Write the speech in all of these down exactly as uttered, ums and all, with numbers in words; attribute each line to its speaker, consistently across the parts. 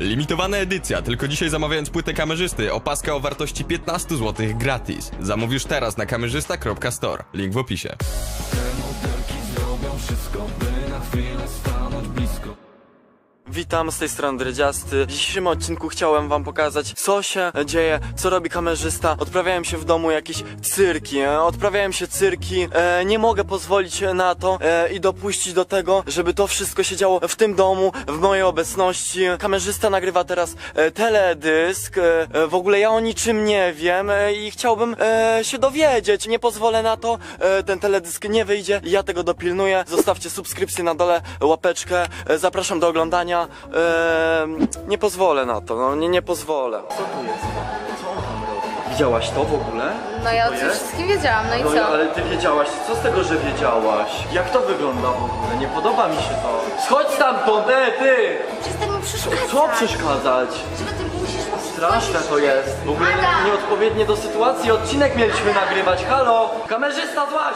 Speaker 1: Limitowana edycja, tylko dzisiaj zamawiając płytę kamerzysty, opaska o wartości piętnaście złotych gratis. Zamówisz teraz na kamerzysta kropka store. Link w opisie.
Speaker 2: Te modelki zrobią wszystko, by na chwilę stanąć blisko.
Speaker 3: Witam, z tej strony Dredziasty. W dzisiejszym odcinku chciałem wam pokazać, co się dzieje, co robi kamerzysta. Odprawiałem się w domu jakieś cyrki, e, odprawiałem się cyrki, e, nie mogę pozwolić na to e, i dopuścić do tego, żeby to wszystko się działo w tym domu, w mojej obecności. Kamerzysta nagrywa teraz e, teledysk, e, e, w ogóle ja o niczym nie wiem e, i chciałbym e, się dowiedzieć. Nie pozwolę na to, e, ten teledysk nie wyjdzie, ja tego dopilnuję. Zostawcie subskrypcję na dole, łapeczkę, e, zapraszam do oglądania. Eee, nie pozwolę na to, no nie, nie pozwolę. Co tu jest? Co on tam robi? Widziałaś to w ogóle?
Speaker 4: No ja o
Speaker 3: To
Speaker 4: tym
Speaker 3: jest?
Speaker 4: wszystkim wiedziałam, no i
Speaker 3: No
Speaker 4: co?
Speaker 3: ale ty wiedziałaś, co z tego, że wiedziałaś? Jak to wygląda w ogóle? Nie podoba mi się to. Schodź stamtąd, e, ty!
Speaker 4: Przestań mi przeszkadzać.
Speaker 3: Co przeszkadzać?
Speaker 4: Żeby ty musisz...
Speaker 3: Straszne to jest. W ogóle
Speaker 4: Adam!
Speaker 3: nieodpowiednie do sytuacji. Odcinek mieliśmy nagrywać. Halo! Kamerzysta, złaź!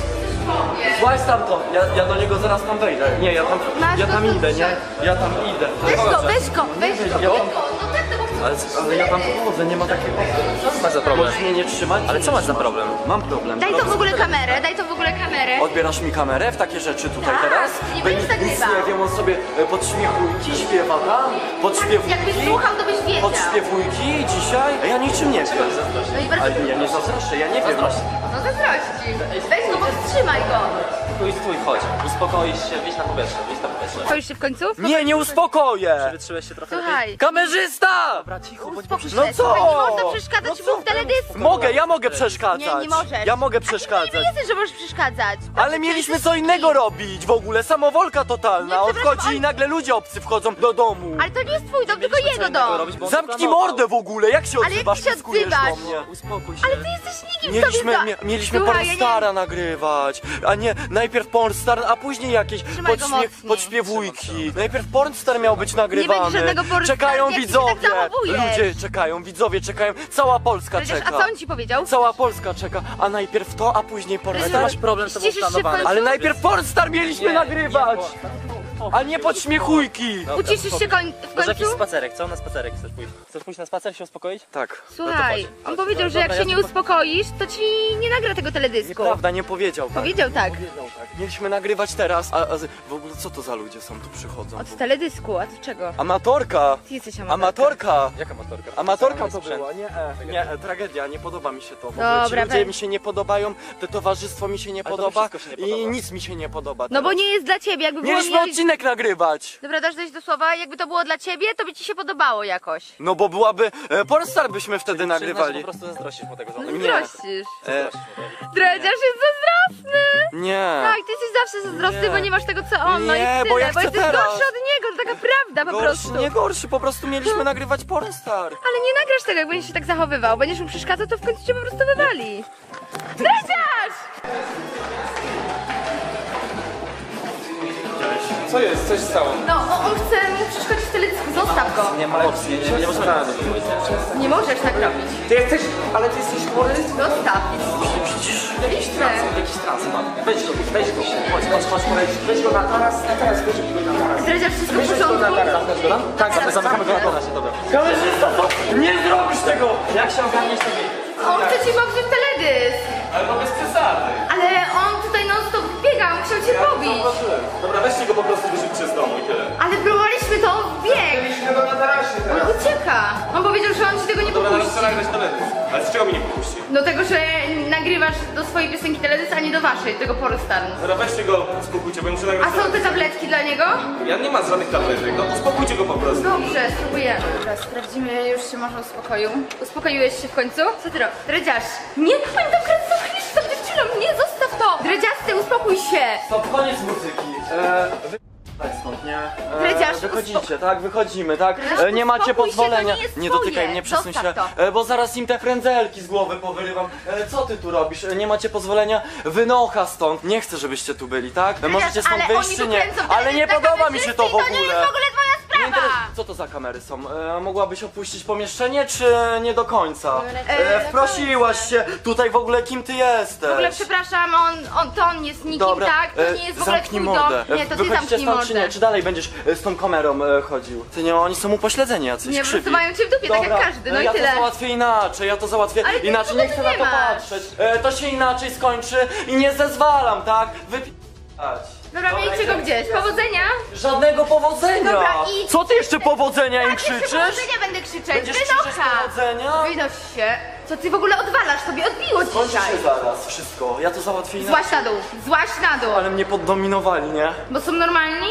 Speaker 3: Złaź stamtąd! Ja, ja do niego zaraz tam wejdę. Nie, ja tam,
Speaker 4: Masz
Speaker 3: ja
Speaker 4: go
Speaker 3: tam
Speaker 4: tu
Speaker 3: idę, nie?
Speaker 4: wziąć.
Speaker 3: Ja tam idę.
Speaker 4: Weź go, weź go, weź go.
Speaker 3: Jo?
Speaker 4: No tak, no bo...
Speaker 3: Ale, ale ja tam chodzę, nie ma takiego...
Speaker 5: Co masz za problem?
Speaker 3: Możesz mnie nie trzymać?
Speaker 5: Ale co masz za problem?
Speaker 3: Mam problem.
Speaker 4: Daj to w ogóle kamerę, daj to w ogóle kamerę.
Speaker 3: Odbierasz mi kamerę w takie rzeczy tutaj
Speaker 4: Tak,
Speaker 3: teraz?
Speaker 4: nie
Speaker 3: Bo
Speaker 4: będziesz
Speaker 3: nic- nic
Speaker 4: nagrywał.
Speaker 3: nie wiem, on sobie e, podśmiechujki śpiewa tam? Podśpiewujki?
Speaker 4: Jakbyś słuchał, to byś wiedział.
Speaker 3: Podśpiewujki dzisiaj? A ja niczym nie wiem.
Speaker 4: No i bardzo...
Speaker 3: Ale ja nie zazdroszczę, ja nie wiem.
Speaker 4: No zazdrości. Weź go, powstrzymaj go.
Speaker 5: Stój, stój, chodź. Uspokoisz się, wyjdź na powietrze, wyjdź na powietrze.
Speaker 4: Stoisz się w końcu?
Speaker 3: Nie, nie uspokoję!
Speaker 5: Wytrzymałeś się trochę
Speaker 4: Słuchaj,
Speaker 3: Kamerzysta!
Speaker 5: Dobra, cicho, bądź
Speaker 4: uspokój się.
Speaker 3: No co?
Speaker 4: Słuchaj, nie można przeszkadzać
Speaker 3: No
Speaker 4: mu w teledysku.
Speaker 3: Mogę, ja mogę przeszkadzać.
Speaker 4: Nie, nie możesz.
Speaker 3: Ja mogę
Speaker 4: Nie
Speaker 3: przeszkadzać.
Speaker 4: jesteś, że możesz przeszkadzać.
Speaker 3: Ale mieliśmy co innego robić w ogóle, samowolka totalna.
Speaker 4: Nie,
Speaker 3: On
Speaker 4: przepraszam,
Speaker 3: wchodzi i
Speaker 4: ale-
Speaker 3: nagle ludzie obcy wchodzą do domu.
Speaker 4: Ale to nie jest twój dom, tylko jego dom.
Speaker 3: Zamknij mordę w ogóle, jak się
Speaker 4: Ale jak
Speaker 3: odzywasz?
Speaker 4: ty się
Speaker 3: Pyskujesz
Speaker 4: odzywasz?
Speaker 3: do mnie.
Speaker 5: Uspokój się.
Speaker 4: Ale ty jesteś nikim
Speaker 3: Mieliśmy,
Speaker 4: sobie
Speaker 3: mie, mieliśmy
Speaker 4: Słuchaj, ja nie-
Speaker 3: Pornstara nagrywać, a nie najpierw Pornstar, a później jakieś
Speaker 4: Trzymaj go
Speaker 3: podśmie,
Speaker 4: mocniej.
Speaker 3: podśpiewujki. Najpierw Pornstar miał być nagrywany.
Speaker 4: będzie żadnego Pornstar,
Speaker 3: Czekają
Speaker 4: jak ty się
Speaker 3: widzowie.
Speaker 4: tak zachowujesz.
Speaker 3: Ludzie czekają, widzowie czekają. Cała Polska
Speaker 4: Przecież,
Speaker 3: czeka.
Speaker 4: a co on ci powiedział?
Speaker 3: Cała Polska czeka, a najpierw to, a później
Speaker 5: Ale
Speaker 3: Pornstar.
Speaker 5: ty masz problem z tobą
Speaker 4: Ściszysz się w
Speaker 5: planowane.
Speaker 4: końcu?
Speaker 3: Ale najpierw Pornstar mieliśmy
Speaker 5: Nie,
Speaker 3: nagrywać,
Speaker 5: nie,
Speaker 3: a nie podśmiechujki.
Speaker 5: Dobra,
Speaker 4: Uciszysz się
Speaker 5: spokój.
Speaker 4: koń w
Speaker 5: Może jakiś
Speaker 4: końcu?
Speaker 5: spacerek, co? Na spacerek chcesz pójść? Chcesz pójść na spacer, się uspokoić?
Speaker 3: Tak.
Speaker 4: Słuchaj,
Speaker 5: No to chodź.
Speaker 4: on powiedział, że
Speaker 5: Dobra,
Speaker 4: jak
Speaker 5: ja
Speaker 4: się nie
Speaker 5: tylko-
Speaker 4: uspokoisz, to ci nie nagra tego teledysku.
Speaker 3: Nieprawda, nie powiedział tak.
Speaker 4: Powiedział tak.
Speaker 3: Powiedział tak. Mieliśmy nagrywać teraz, a, a z- w ogóle co to za ludzie są tu przychodzą?
Speaker 4: Od teledysku, a od czego?
Speaker 3: Amatorka!
Speaker 4: Ty jesteś amatorka.
Speaker 3: Amatorka!
Speaker 5: Jaka motorka?
Speaker 3: Amatorka to
Speaker 5: Sprzęt.
Speaker 3: była, nie, e, nie, e, tragedia, nie podoba mi się to. W ogóle
Speaker 4: Dobra,
Speaker 3: ci ludzie
Speaker 4: weź.
Speaker 3: mi się nie podobają, to towarzystwo mi się nie
Speaker 5: Ale to
Speaker 3: podoba
Speaker 5: wszystko się nie
Speaker 3: i
Speaker 5: podoba.
Speaker 3: nic mi się nie podoba.
Speaker 4: No bo
Speaker 3: teraz.
Speaker 4: nie jest dla ciebie, jakby było
Speaker 3: Mieliśmy
Speaker 4: mieli...
Speaker 3: odcinek nagrywać!
Speaker 4: Dobra, dasz dojść do słowa, jakby to było dla ciebie, to by ci się podobało jakoś.
Speaker 3: No bo byłaby, e, Pornstar byśmy wtedy
Speaker 5: Przyznać, że
Speaker 3: nagrywali.
Speaker 5: po prostu zazdrościsz mu tego
Speaker 4: No
Speaker 5: żony.
Speaker 4: zazdrościsz.
Speaker 3: E,
Speaker 4: Dredziarz jest zazdrosny.
Speaker 3: nie.
Speaker 4: Tak, ty jesteś zawsze zazdrosny,
Speaker 3: Nie.
Speaker 4: bo nie masz tego co on, no i
Speaker 3: Nie,
Speaker 4: tyle,
Speaker 3: bo ja
Speaker 4: bo
Speaker 3: chcę
Speaker 4: jesteś
Speaker 3: teraz.
Speaker 4: gorszy od niego, to taka prawda po
Speaker 3: Gorszy,
Speaker 4: prostu.
Speaker 3: nie gorszy, po prostu mieliśmy nagrywać Pornstar.
Speaker 4: Ale nie nagrasz tego, jak będziesz się tak zachowywał. Będziesz mu przeszkadzał, to w końcu cię po prostu wywali. Dredziarz!
Speaker 6: Co jest? Coś stało?
Speaker 4: No, o- on chce mu przeszkodzić w teledysku, zostaw go.
Speaker 5: Nie ma opcji, nie, nie, nie możemy tego zrobić.
Speaker 4: Nie możesz tak robić.
Speaker 6: Ty jesteś, ale ty jesteś chory?
Speaker 4: Zostaw. Idź chcę.
Speaker 5: Jakiś trans ma. Weź go, weź go. Chodź, chodź, chodź, chodź.
Speaker 6: Weź go na taras, na taras, weź go na taras.
Speaker 4: Dredziarz, wszystko w
Speaker 6: Weź go na
Speaker 4: porządku?
Speaker 6: taras.
Speaker 5: Zamknąć go tam? Tak,
Speaker 4: Teraz
Speaker 5: zamykamy go na
Speaker 4: zamknę.
Speaker 5: tarasie, dobra.
Speaker 3: Kamerzysta, to nie zrobisz tego!
Speaker 5: Jak się ogarniesz, to wyjdź.
Speaker 4: On chce ci popsuć teledysk.
Speaker 6: Ale to bez przesady.
Speaker 4: Ale on tutaj non stop biega, on chciał cię pobić.
Speaker 6: Dobra, weźcie go po prostu wyrzućcie z domu i tyle.
Speaker 4: Ale próbowaliśmy to, bieg.
Speaker 6: Byliśmy go na tarasie
Speaker 4: On
Speaker 6: teraz.
Speaker 4: ucieka. On powiedział, że on ci tego nie
Speaker 6: Dobra, teraz
Speaker 4: popuści.
Speaker 6: chcę nagrać teledysk. Ale z czego mi nie popuści?
Speaker 4: Do tego, że nagrywasz do swojej piosenki teledysk, a nie do waszej, tego Pornstar.
Speaker 6: Dobra, weźcie go, uspokójcie, bo ja muszę nagrać
Speaker 4: A są te
Speaker 6: teledysk.
Speaker 4: tabletki dla niego?
Speaker 6: Ja nie mam żadnych tabletek, no uspokójcie go po prostu.
Speaker 4: Dobrze, spróbujemy. Dobra, sprawdzimy, już się może uspokoił. Uspokoiłeś się w końcu? Co ty robisz? Dredziarz! Nie, oni tam kręcą klip z tą dziewczyną! Nie, zostaw to! Dredziasty, uspokój się!
Speaker 3: Stop, koniec muzyki. E, wy... Tak stąd, nie? E,
Speaker 4: Dredziarz,
Speaker 3: wychodzicie, tak, wychodzimy, tak?
Speaker 4: Dredziarz,
Speaker 3: E, nie macie
Speaker 4: uspokój się, to
Speaker 3: pozwolenia.
Speaker 4: nie jest
Speaker 3: nie
Speaker 4: twoje.
Speaker 3: dotykaj mnie, przesuń się.
Speaker 4: Zostaw to.
Speaker 3: E, bo zaraz im te frędzelki z głowy powyrywam. E, co ty tu robisz? E, nie macie pozwolenia? Wynocha stąd. Nie chcę, żebyście tu byli, tak? E, możecie stąd
Speaker 4: ale
Speaker 3: wyjść
Speaker 4: oni
Speaker 3: czy
Speaker 4: tu
Speaker 3: nie?
Speaker 4: kręcą
Speaker 3: Ale nie
Speaker 4: teledysk na
Speaker 3: podoba mi się to w
Speaker 4: kamerzysty i To nie
Speaker 3: ogóle.
Speaker 4: jest w ogóle twoja sprawa!
Speaker 3: Nie interes- Co to za kamery są? E, mogłabyś opuścić pomieszczenie, czy nie do końca?
Speaker 4: E,
Speaker 3: E, wprosiłaś się, tutaj w ogóle kim ty jesteś?
Speaker 4: W ogóle przepraszam, on, on, to on jest nikim,
Speaker 3: Dobra,
Speaker 4: tak? To
Speaker 3: e,
Speaker 4: nie jest w ogóle
Speaker 3: zamknij
Speaker 4: twój
Speaker 3: mordę.
Speaker 4: dom. Nie, to ty
Speaker 3: Wychodzicie
Speaker 4: zamknij
Speaker 3: stąd, czy
Speaker 4: mordę.
Speaker 3: nie? Czy dalej będziesz e, z tą kamerą e, chodził? Ty nie, oni są upośledzeni jacyś,
Speaker 4: Nie, po prostu
Speaker 3: krzywi.
Speaker 4: mają cię w dupie, tak jak
Speaker 3: Dobra,
Speaker 4: każdy, no
Speaker 3: e,
Speaker 4: i
Speaker 3: ja
Speaker 4: tyle.
Speaker 3: to załatwię inaczej, ja to załatwię
Speaker 4: Ale ty
Speaker 3: inaczej,
Speaker 4: nic
Speaker 3: nie chcę
Speaker 4: nie
Speaker 3: na to
Speaker 4: masz.
Speaker 3: patrzeć. E, to się inaczej skończy i nie zezwalam, tak? Wypi***ać.
Speaker 4: Dobra, miejcie go gdzieś. Powodzenia.
Speaker 3: Żadnego powodzenia!
Speaker 4: Dobra, idź.
Speaker 3: Co ty jeszcze powodzenia im
Speaker 4: Tak, jeszcze
Speaker 3: krzyczysz?
Speaker 4: powodzenia będę krzyczeć.
Speaker 3: Będziesz krzyczeć
Speaker 4: Wynocha.
Speaker 3: powodzenia?
Speaker 4: Wynoś się. Co ty w ogóle odwalasz? Tobie odbiło
Speaker 3: Kończy
Speaker 4: dzisiaj.
Speaker 3: się zaraz wszystko, ja to załatwię inaczej.
Speaker 4: Złaś na dół, złaś na dół.
Speaker 3: Ale mnie poddominowali, nie?
Speaker 4: Bo są normalni?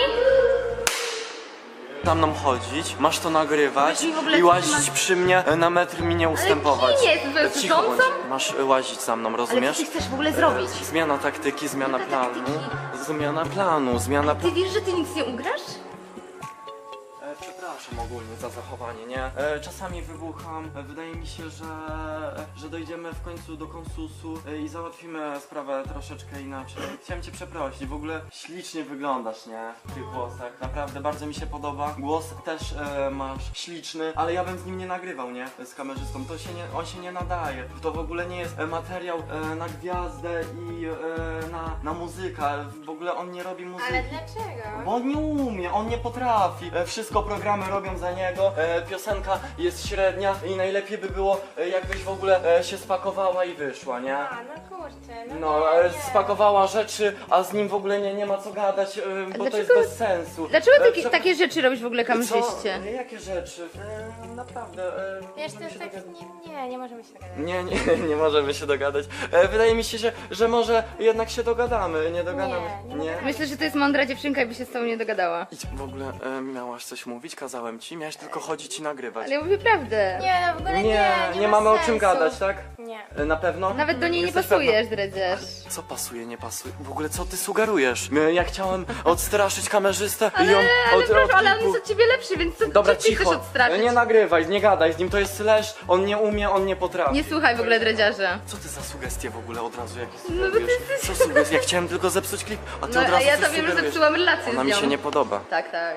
Speaker 3: Za mną chodzić, masz to nagrywać
Speaker 4: Ale ty w ogóle
Speaker 3: i
Speaker 4: co ty
Speaker 3: łazić
Speaker 4: masz-
Speaker 3: przy mnie, e, na metr mi nie ustępować.
Speaker 4: kim jest? To jest
Speaker 3: Cicho bądź.
Speaker 4: służącą?
Speaker 3: Masz e, łazić za mną,
Speaker 4: Ale
Speaker 3: rozumiesz?
Speaker 4: co ty chcesz w ogóle zrobić?
Speaker 3: Zmiana taktyki, zmiana
Speaker 4: Jaka
Speaker 3: planu.
Speaker 4: taktyki?
Speaker 3: Zmiana planu, zmiana
Speaker 4: Ty wiesz, że ty nic nie ugrasz?
Speaker 3: E, Przepraszam ogólnie za zachowanie, nie? E, Czasami wybucham, e, wydaje mi się, że, e, że dojdziemy w końcu do konsusu e, i załatwimy sprawę troszeczkę inaczej. Chciałem cię przeprosić, w ogóle ślicznie wyglądasz, nie? W tych włosach, naprawdę bardzo mi się podoba. Głos też e, masz śliczny, ale ja bym z nim nie nagrywał, nie? Z kamerzystą, to się nie, on się nie nadaje. To w ogóle nie jest e, materiał e, na gwiazdę i e, na, na muzykę, w ogóle on nie robi muzyki.
Speaker 4: dlaczego?
Speaker 3: Bo on nie umie, on nie potrafi. E, Wszystko programy robią za niego. E, Piosenka jest średnia i najlepiej by było, e, jakbyś w ogóle e, się spakowała i wyszła, nie?
Speaker 7: A, no kurczę, no,
Speaker 3: No,
Speaker 7: nie,
Speaker 3: e,
Speaker 7: nie.
Speaker 3: spakowała rzeczy, a z nim w ogóle nie, nie ma co gadać, e, bo to jest
Speaker 4: dlaczego-
Speaker 3: bez sensu.
Speaker 4: Dlaczego
Speaker 3: E,
Speaker 4: ty
Speaker 3: prze-
Speaker 4: takie rzeczy robisz w ogóle
Speaker 3: Co?
Speaker 4: kamerzyście?
Speaker 3: E, Jakie rzeczy? E, naprawdę. E,
Speaker 7: Wiesz, to
Speaker 3: możemy
Speaker 7: jest
Speaker 3: się
Speaker 7: tak,
Speaker 3: dogadać.
Speaker 7: nie, nie, nie możemy się dogadać.
Speaker 3: Nie, nie, nie możemy się dogadać. E, wydaje mi się, że, że może jednak się dogadamy, nie dogadamy.
Speaker 7: Nie, nie dogadamy.
Speaker 4: Myślę, że to jest mądra dziewczynka i by się z tobą nie dogadała.
Speaker 3: Idź, w ogóle e, miałaś coś mówić, kazałem ci, miałaś tylko chodzić i nagrywać.
Speaker 4: Ale ja mówię prawdę.
Speaker 7: Nie, no w ogóle nie,
Speaker 3: nie,
Speaker 7: nie,
Speaker 3: nie
Speaker 7: ma
Speaker 3: mamy o
Speaker 7: sensu.
Speaker 3: czym gadać, tak?
Speaker 7: Nie.
Speaker 3: E, Na pewno?
Speaker 4: Nawet do niej nie
Speaker 3: Jesteś
Speaker 4: pasujesz, dredziarz.
Speaker 3: pewna? Co pasuje, nie pasuje? W ogóle co ty sugerujesz? E, Ja chciałem odstraszyć kamerzystę i
Speaker 4: Ale,
Speaker 3: on
Speaker 4: ale
Speaker 3: od,
Speaker 4: proszę,
Speaker 3: od
Speaker 4: ale on
Speaker 3: kilku-
Speaker 4: jest od ciebie lepszy, więc co
Speaker 3: Dobra,
Speaker 4: co ty chcesz
Speaker 3: cicho.
Speaker 4: odstraszyć?
Speaker 3: E, Nie nagrywaj, nie gadaj z nim, to jest leszcz, on nie umie, on nie potrafi.
Speaker 4: Nie słuchaj w ogóle dredziarza.
Speaker 3: Co ty za sugestie w ogóle od razu jakieś
Speaker 4: No bo ty
Speaker 3: sugerujesz?
Speaker 4: jesteś-
Speaker 3: Co sugestie? Ja chciałem tylko zepsuć klip, a ty
Speaker 4: No,
Speaker 3: od
Speaker 4: a
Speaker 3: razu
Speaker 4: ja
Speaker 3: coś
Speaker 4: to wiem, że
Speaker 3: sugerujesz.
Speaker 4: zepsułam relację
Speaker 3: Ona
Speaker 4: z
Speaker 3: mi
Speaker 4: nią.
Speaker 3: się nie podoba.
Speaker 4: Tak, tak.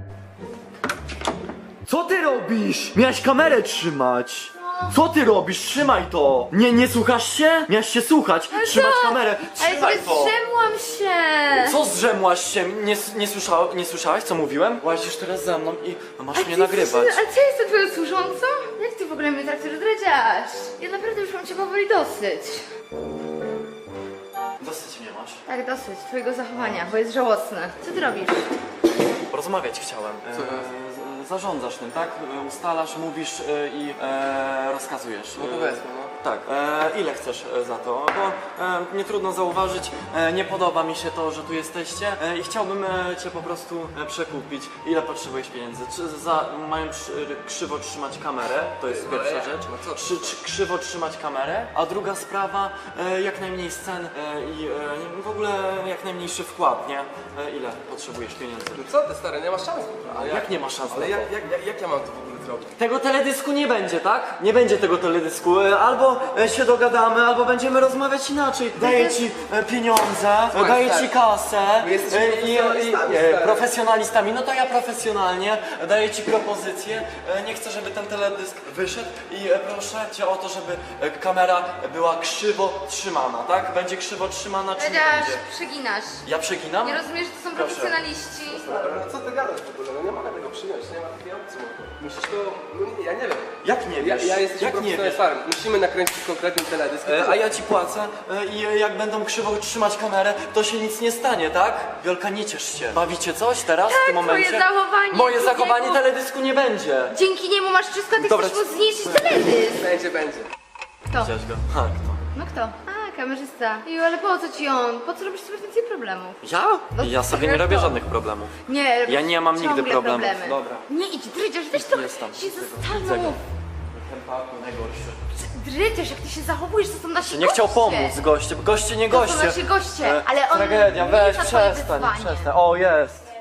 Speaker 3: Co ty robisz? Miałeś kamerę trzymać. Co ty robisz? Trzymaj to! Nie, nie słuchasz się? Miałeś się słuchać, trzymać kamerę,
Speaker 4: Ale
Speaker 3: trzymaj
Speaker 4: sobie
Speaker 3: to!
Speaker 4: zdrzemłam się!
Speaker 3: Co zrzemłaś się? Nie, nie, słysza, nie słyszałaś, co mówiłem? Łazisz teraz za mną i masz
Speaker 4: A
Speaker 3: mnie
Speaker 4: ty
Speaker 3: nagrywać.
Speaker 4: jesteś- A co, jestem twoją służącą? Jak ty w ogóle mnie traktujesz, dredziarz? Ja naprawdę już mam cię powoli dosyć.
Speaker 3: Dosyć mnie masz.
Speaker 4: Tak, dosyć twojego zachowania, bo jest żałosne. Co ty robisz?
Speaker 3: Porozmawiać chciałem. E, z- zarządzasz tym, tak? E, Ustalasz, mówisz e, i e, rozkazujesz.
Speaker 8: No powiedzmy, no.
Speaker 3: Tak. E, ile chcesz e, za to? Bo e, nie trudno zauważyć, e, nie podoba mi się to, że tu jesteście e, i chciałbym e, cię po prostu e, przekupić. Ile potrzebujesz pieniędzy? Czy za, mają przy, krzywo trzymać kamerę? To jest pierwsza
Speaker 8: jak?
Speaker 3: rzecz.
Speaker 8: No co ty?
Speaker 3: Czy, czy krzywo trzymać kamerę? A druga sprawa, e, jak najmniej scen e, i e, w ogóle jak najmniejszy wkład, nie? E, ile potrzebujesz pieniędzy?
Speaker 8: No co ty stary, nie masz szans. Ale
Speaker 3: Jak nie ma szans
Speaker 8: Ale
Speaker 3: na to?
Speaker 8: jak, jak, jak, jak ja mam to w ogóle zrobić?
Speaker 3: Tego teledysku nie będzie, tak? Nie będzie tego teledysku. E, Albo e, się dogadamy, albo będziemy rozmawiać inaczej. Daję ci e, pieniądze, e,
Speaker 8: Słuchaj,
Speaker 3: daję
Speaker 8: stary,
Speaker 3: ci kasę.
Speaker 8: my jesteśmy
Speaker 3: e, i- i-
Speaker 8: profesjonalistami,
Speaker 3: e,
Speaker 8: stary.
Speaker 3: profesjonalistami. No to ja profesjonalnie daję ci propozycję. E, Nie chcę, żeby ten teledysk wyszedł i e, proszę cię o to, żeby e, kamera była krzywo trzymana, tak? Będzie krzywo trzymana, czy nie
Speaker 4: Dredziarz,
Speaker 3: będzie?
Speaker 4: przeginasz.
Speaker 3: Ja przeginam?
Speaker 4: Nie rozumiesz, że to są
Speaker 3: Proszę.
Speaker 4: profesjonaliści?
Speaker 8: No co ty gadasz w ogóle? No nie mogę tego przyjąć, nie ma takiej opcji. Musisz to... No nie, ja nie wiem.
Speaker 3: Jak nie
Speaker 8: Ja,
Speaker 3: wiesz?
Speaker 8: ja jestem
Speaker 3: Jak nie wiesz?
Speaker 8: profesjonalistami. Musimy nakręcić konkretny teledysk.
Speaker 3: E, A ja ci płacę e, i e, jak będą krzywo trzymać kamerę, to się nic nie stanie, tak? Wiolka, nie ciesz się. Bawicie coś teraz w tym
Speaker 4: twoje
Speaker 3: momencie?
Speaker 4: zachowanie,
Speaker 3: Moje
Speaker 4: dziękuję.
Speaker 3: zachowanie teledysku nie będzie.
Speaker 4: Dzięki niemu masz wszystko, a ty
Speaker 3: Dobra,
Speaker 4: chcesz mu zniszczyć teledysk.
Speaker 8: Będzie, będzie.
Speaker 4: Kto?
Speaker 3: Widziałeś go? Ha, kto?
Speaker 4: No kto? A, kamerzysta. Ej, ale po co ci on? Po co robisz sobie więcej problemów?
Speaker 3: Ja?
Speaker 4: No,
Speaker 3: Ja sobie nie
Speaker 4: jak
Speaker 3: robię
Speaker 4: to?
Speaker 3: żadnych problemów.
Speaker 4: Nie, robisz
Speaker 3: Ja nie mam nigdy
Speaker 4: ciągle
Speaker 3: problemów.
Speaker 4: problemy.
Speaker 3: Dobra.
Speaker 4: Nie idź, Drydziarz, weź trochę
Speaker 3: Jest tam.
Speaker 4: się
Speaker 3: Widzę
Speaker 4: zastanów.
Speaker 3: go. Ten paku najgorszy.
Speaker 4: Drydziarz, jak ty się zachowujesz, to są nasi
Speaker 3: Nie chciał
Speaker 4: goście.
Speaker 3: pomóc goście, bo goście nie
Speaker 4: To
Speaker 3: goście.
Speaker 4: są nasi goście,
Speaker 3: E,
Speaker 4: ale on
Speaker 3: Tragedia,
Speaker 4: nie
Speaker 3: weź,
Speaker 4: za twoje
Speaker 3: przestań,
Speaker 4: wyzwanie.
Speaker 3: przestań. O, jest.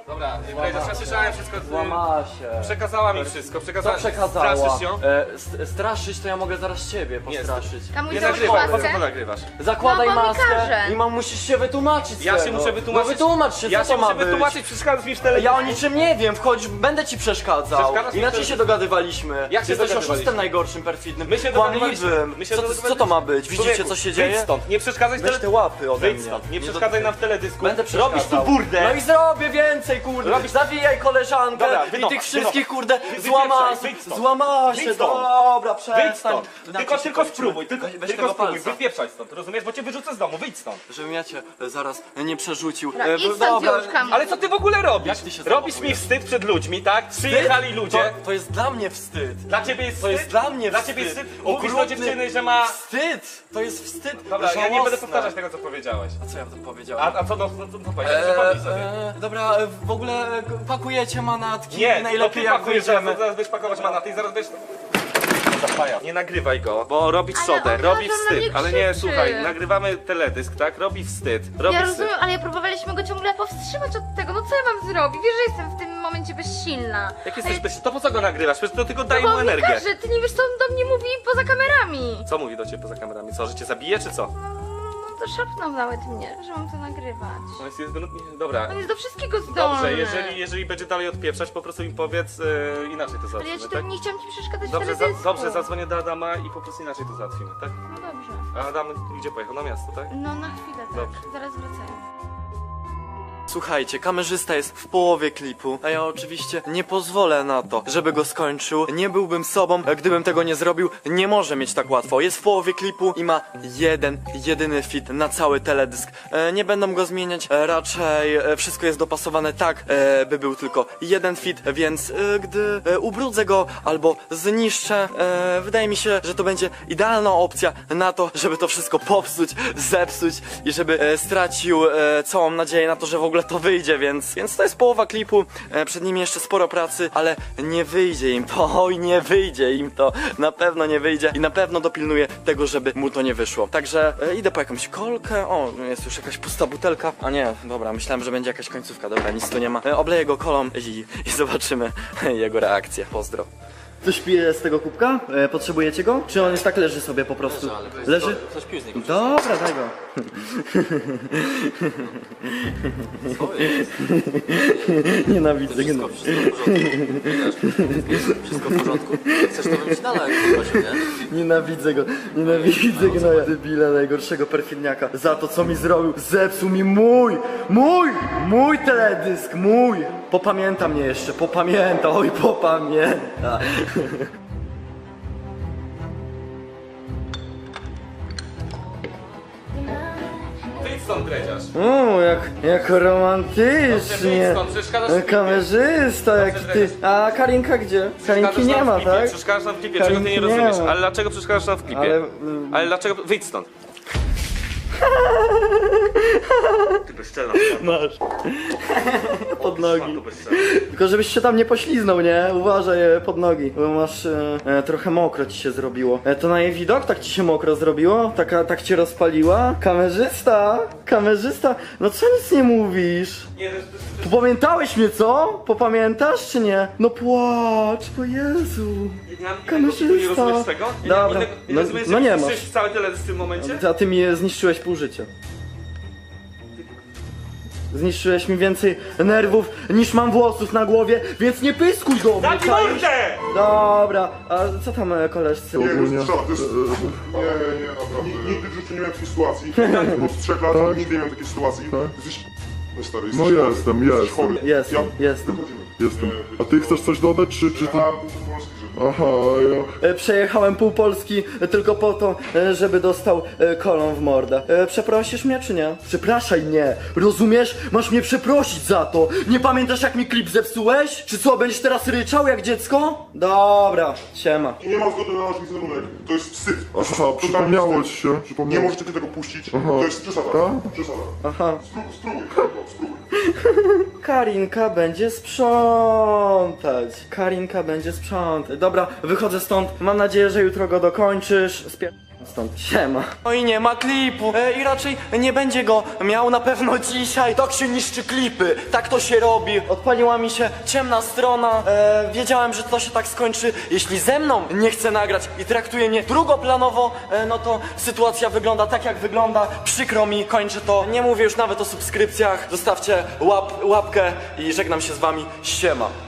Speaker 6: Dobra, Dredziarz, ja słyszałem wszystko.
Speaker 3: Złamała się.
Speaker 6: Przekazała mi wszystko,
Speaker 3: Co
Speaker 6: przekazała.
Speaker 3: przekazała?
Speaker 6: Straszysz ją?
Speaker 3: E, st straszyć to ja mogę zaraz ciebie postraszyć.
Speaker 4: Kamuś,
Speaker 6: Nie
Speaker 4: załóż
Speaker 6: nagrywaj, po co
Speaker 4: maskę.
Speaker 6: to nagrywasz?
Speaker 3: Zakładaj
Speaker 4: No, bo mi
Speaker 3: maskę
Speaker 4: każe.
Speaker 3: i mam musisz się wytłumaczyć. z
Speaker 6: Ja się
Speaker 3: tego.
Speaker 6: muszę wytłumaczyć.
Speaker 3: No wytłumacz się,
Speaker 6: Ja
Speaker 3: co
Speaker 6: się
Speaker 3: to ma
Speaker 6: muszę
Speaker 3: być?
Speaker 6: wytłumaczyć, przeszkadzasz mi w telewizji.
Speaker 3: Ja o niczym nie wiem, wchodź, będę ci przeszkadzał.
Speaker 6: Przeszkadzasz mi
Speaker 3: Inaczej
Speaker 6: w
Speaker 3: się
Speaker 6: telewizji.
Speaker 3: dogadywaliśmy.
Speaker 6: Jak się
Speaker 3: Jesteś
Speaker 6: dogadywaliśmy?
Speaker 3: oszustem najgorszym, perfidnym,
Speaker 6: My się dogadywaliśmy.
Speaker 3: kłamliwym.
Speaker 6: My się
Speaker 3: Co, co
Speaker 6: dogadywaliśmy.
Speaker 3: to ma być? Widzicie,
Speaker 6: Człowieku,
Speaker 3: co się dzieje?
Speaker 6: Wyjdź stąd, nie przeszkadzaj w
Speaker 3: Weź te
Speaker 6: tele...
Speaker 3: łapy ode
Speaker 6: Wyjdź
Speaker 3: mnie.
Speaker 6: stąd, nie
Speaker 3: do-
Speaker 6: przeszkadzaj nam w teledysku.
Speaker 3: Będę przeszkadzał.
Speaker 6: Robisz tu burdę.
Speaker 3: No i zrobię więcej, kurde.
Speaker 6: Robisz-
Speaker 3: Zawijaj koleżankę
Speaker 6: Dobra,
Speaker 3: i
Speaker 6: wynocha,
Speaker 3: tych wszystkich,
Speaker 6: wynocha.
Speaker 3: kurde,
Speaker 6: Wy-
Speaker 3: złamała,
Speaker 6: wypieprzaj, wyjdź stąd.
Speaker 3: złamała się.
Speaker 6: Wyjdź stąd.
Speaker 3: Dobra,
Speaker 6: Wyjdź
Speaker 3: przestań.
Speaker 6: stąd.
Speaker 3: Inaczej
Speaker 6: Tylko,
Speaker 3: się
Speaker 6: tylko
Speaker 3: kończymy.
Speaker 6: spróbuj, tylko,
Speaker 3: Weź- weź
Speaker 6: tylko
Speaker 3: tego
Speaker 6: spróbuj,
Speaker 3: palca.
Speaker 6: wypieprzaj stąd, rozumiesz? Bo cię wyrzucę z domu, wyjdź stąd.
Speaker 3: Żebym ja cię e, zaraz nie przerzucił.
Speaker 4: Dobra,
Speaker 3: E,
Speaker 4: idź stąd już, Kamuś.
Speaker 6: Ale co ty w ogóle robisz?
Speaker 3: Jak ty się
Speaker 6: Robisz mi
Speaker 3: zachowujesz?
Speaker 6: wstyd przed ludźmi, tak? Przyjechali ludzie.
Speaker 3: To, to jest dla mnie wstyd.
Speaker 6: Dla ciebie jest
Speaker 3: To
Speaker 6: wstyd?
Speaker 3: jest dla mnie
Speaker 6: Dla
Speaker 3: wstyd.
Speaker 6: ciebie jest wstyd? Mówisz do
Speaker 3: Okrutny
Speaker 6: dziewczyny, że ma...
Speaker 3: Wstyd! To jest wstyd.
Speaker 6: Dobra, ja nie
Speaker 3: Żałosne.
Speaker 6: będę powtarzać tego, co powiedziałeś.
Speaker 3: A co ja tam powiedziałem?
Speaker 6: A, a co, no, no, no, no powiedziałeś, przypomnij sobie.
Speaker 3: e, dobra, e, w ogóle e, pakujecie manatki.
Speaker 6: Nie,
Speaker 3: najlepiej
Speaker 6: no
Speaker 3: jak
Speaker 6: ty pakujesz,
Speaker 3: wyjdziemy.
Speaker 6: zaraz, zaraz będziesz pakować manaty i zaraz będziesz... Nie nagrywaj go, bo robi
Speaker 4: Ale
Speaker 6: trzodę,
Speaker 4: on
Speaker 6: robi
Speaker 4: każe na
Speaker 6: wstyd.
Speaker 4: mnie
Speaker 6: Ale nie,
Speaker 4: krzyczy.
Speaker 6: słuchaj, nagrywamy teledysk, tak? Robi wstyd, robi
Speaker 4: Ja
Speaker 6: wstyd.
Speaker 4: rozumiem, ale próbowaliśmy go ciągle powstrzymać od tego. No co ja mam zrobić? Wiesz, że jestem w tym momencie bezsilna.
Speaker 6: Jak jesteś bez... To po co go nagrywasz? Przecież to tylko daje
Speaker 4: Bo
Speaker 6: mu
Speaker 4: on mi
Speaker 6: energię.
Speaker 4: każe, ty nie wiesz, co on do mnie mówi poza kamerami.
Speaker 6: Co mówi do ciebie poza kamerami? Co, że cię zabije, czy co?
Speaker 4: No to szepnął nawet mnie, że mam to nagrywać.
Speaker 6: No jest, jest, no, dobra.
Speaker 4: On jest do wszystkiego zdolny.
Speaker 6: Dobrze, jeżeli, jeżeli będzie dalej odpieprzać, po prostu im powiedz, e, inaczej to
Speaker 4: Ale ja
Speaker 6: załatwimy,
Speaker 4: ci
Speaker 6: tak?
Speaker 4: to nie chciałam ci przeszkadzać
Speaker 6: Dobrze,
Speaker 4: w
Speaker 6: za,
Speaker 4: teledysku.
Speaker 6: dobrze, zadzwonię do Adama i po prostu inaczej to załatwimy, tak?
Speaker 4: No dobrze.
Speaker 6: A Adam gdzie pojechał? Na miasto, tak?
Speaker 4: No na chwilę, tak.
Speaker 6: Dobrze.
Speaker 4: Zaraz wracają.
Speaker 3: Słuchajcie, kamerzysta jest w połowie klipu, a ja oczywiście nie pozwolę na to, żeby go skończył. Nie byłbym sobą, gdybym tego nie zrobił. Nie może mieć tak łatwo. Jest w połowie klipu i ma jeden, jedyny fit na cały teledysk. E, nie będą go zmieniać, e, raczej e, wszystko jest dopasowane tak, e, by był tylko jeden fit, więc e, gdy e, ubrudzę go albo zniszczę, e, wydaje mi się, że to będzie idealna opcja na to, żeby to wszystko popsuć, zepsuć i żeby e, stracił e, całą nadzieję na to, że w ogóle to wyjdzie, więc, więc to jest połowa klipu, e, przed nimi jeszcze sporo pracy, ale nie wyjdzie im to, oj nie wyjdzie im to, na pewno nie wyjdzie i na pewno dopilnuję tego, żeby mu to nie wyszło. Także e, idę po jakąś kolkę, o jest już jakaś pusta butelka, a nie, dobra, myślałem, że będzie jakaś końcówka, dobra, nic tu nie ma, e, obleję go kolą i, i zobaczymy jego reakcję, pozdro.
Speaker 9: Ktoś pije z tego kubka? E, potrzebujecie go? Czy on jest tak leży sobie po prostu? Leży?
Speaker 5: Coś pił z niego.
Speaker 9: Dobra, daj go. Nienawidzę go.
Speaker 5: Wszystko w porządku? Chcesz to bym ci dalej prosił, nie?
Speaker 9: Nienawidzę go. Nienawidzę go. No, debila najgorszego perfidniaka. Za to co mi zrobił. Zepsuł mi mój! Mój! Mój teledysk! Mój! Popamięta mnie jeszcze. Popamięta. Oj, popamięta.
Speaker 6: Wyjdź stąd, Dredziarz.
Speaker 9: O, jak, jak
Speaker 6: Dobrze,
Speaker 9: romantycznie.
Speaker 6: wyjdź stąd, przeszkadzasz w klipie.
Speaker 9: Kamerzysta jaki ty. A Karinka gdzie? Karinki nie ma, tak?
Speaker 6: Przeszkadzasz nam w klipie, czego ty nie
Speaker 9: Karinki nie
Speaker 6: rozumiesz?
Speaker 9: ma.
Speaker 6: Ale dlaczego przeszkadzasz nam w klipie?
Speaker 9: Ale,
Speaker 6: Ale,
Speaker 9: y-
Speaker 6: dlaczego... Wyjdź stąd. Ty bezczelna.
Speaker 9: Masz. Pod nogi.
Speaker 6: Tu bezczelna.
Speaker 9: Tylko żebyś się tam nie pośliznął, nie? Uważaj e, pod nogi, bo masz e, e, trochę mokro ci się zrobiło. E, to na jej widok tak ci się mokro zrobiło? Taka, tak cię rozpaliła? Kamerzysta? Kamerzysta? No co nic nie mówisz?
Speaker 6: Nie, to jest...
Speaker 9: Popamiętałeś mnie, co? Popamiętasz czy nie? No płacz, o Jezu.
Speaker 6: Nie mam
Speaker 9: Kamerzysta.
Speaker 6: innego, nie rozumiesz tego? Nie mam
Speaker 9: Dobra.
Speaker 6: innego, nie
Speaker 9: No-
Speaker 6: rozumiesz,
Speaker 9: no
Speaker 6: jak
Speaker 9: nie
Speaker 6: zniszczyłeś
Speaker 9: masz.
Speaker 6: cały teledysk w tym momencie?
Speaker 9: A ty mi zniszczyłeś pół życia. Zniszczyłeś mi więcej nerwów niż mam włosów na głowie, więc nie pyskuj do mnie,
Speaker 6: Daj
Speaker 9: czaisz?
Speaker 6: mordę!
Speaker 9: Dobra, a co tam e, koleżcy?
Speaker 10: Nie, to jest strzał, to jest... Nie, nie, nie, naprawdę. Nigdy w życiu nie miałem takiej sytuacji. Od trzech lat nigdy nie miałem takiej sytuacji. Jesteś... No stary, jesteś
Speaker 11: No
Speaker 10: chory.
Speaker 11: jestem,
Speaker 10: Jesteś
Speaker 11: jestem.
Speaker 10: chory.
Speaker 9: Jestem,
Speaker 10: Ja-
Speaker 9: jestem.
Speaker 10: Wychodzimy.
Speaker 11: Jestem. A ty chcesz coś dodać, czy, czy ty...
Speaker 10: A, pół Polski, żeby...
Speaker 11: Aha, ja...
Speaker 9: E, Przejechałem pół Polski e, tylko po to, e, żeby dostał e, kolą w mordę. E, Przeprosisz mnie czy nie? Przepraszaj mnie, rozumiesz? Masz mnie przeprosić za to. Nie pamiętasz jak mi klip zepsułeś? Czy co, będziesz teraz ryczał jak dziecko? Dobra, siema.
Speaker 10: Nie ma zgody na nasz wizerunek. To jest wstyd. To jest
Speaker 11: Aha,
Speaker 10: totalny
Speaker 11: przypomniało
Speaker 10: wstyd.
Speaker 11: ci się,
Speaker 10: Nie
Speaker 11: przypomniało.
Speaker 10: możecie tego puścić.
Speaker 11: Aha.
Speaker 10: To jest przesada.
Speaker 11: Tak?
Speaker 10: Przesada.
Speaker 9: Aha.
Speaker 10: Spróbuj, spróbuj, spróbuj, spróbuj.
Speaker 9: Karinka będzie sprzątać. Karinka będzie sprzątać. Dobra, wychodzę stąd. Mam nadzieję, że jutro go dokończysz. Spier... Stąd siema.
Speaker 3: No i nie ma klipu e, i raczej nie będzie go miał na pewno dzisiaj. Tak się niszczy klipy, tak to się robi. Odpaliła mi się ciemna strona, e, wiedziałem, że to się tak skończy. Jeśli ze mną nie chce nagrać i traktuje mnie drugoplanowo, e, no to sytuacja wygląda tak jak wygląda. Przykro mi, kończę to. Nie mówię już nawet o subskrypcjach. Zostawcie łap, łapkę i żegnam się z wami. Siema.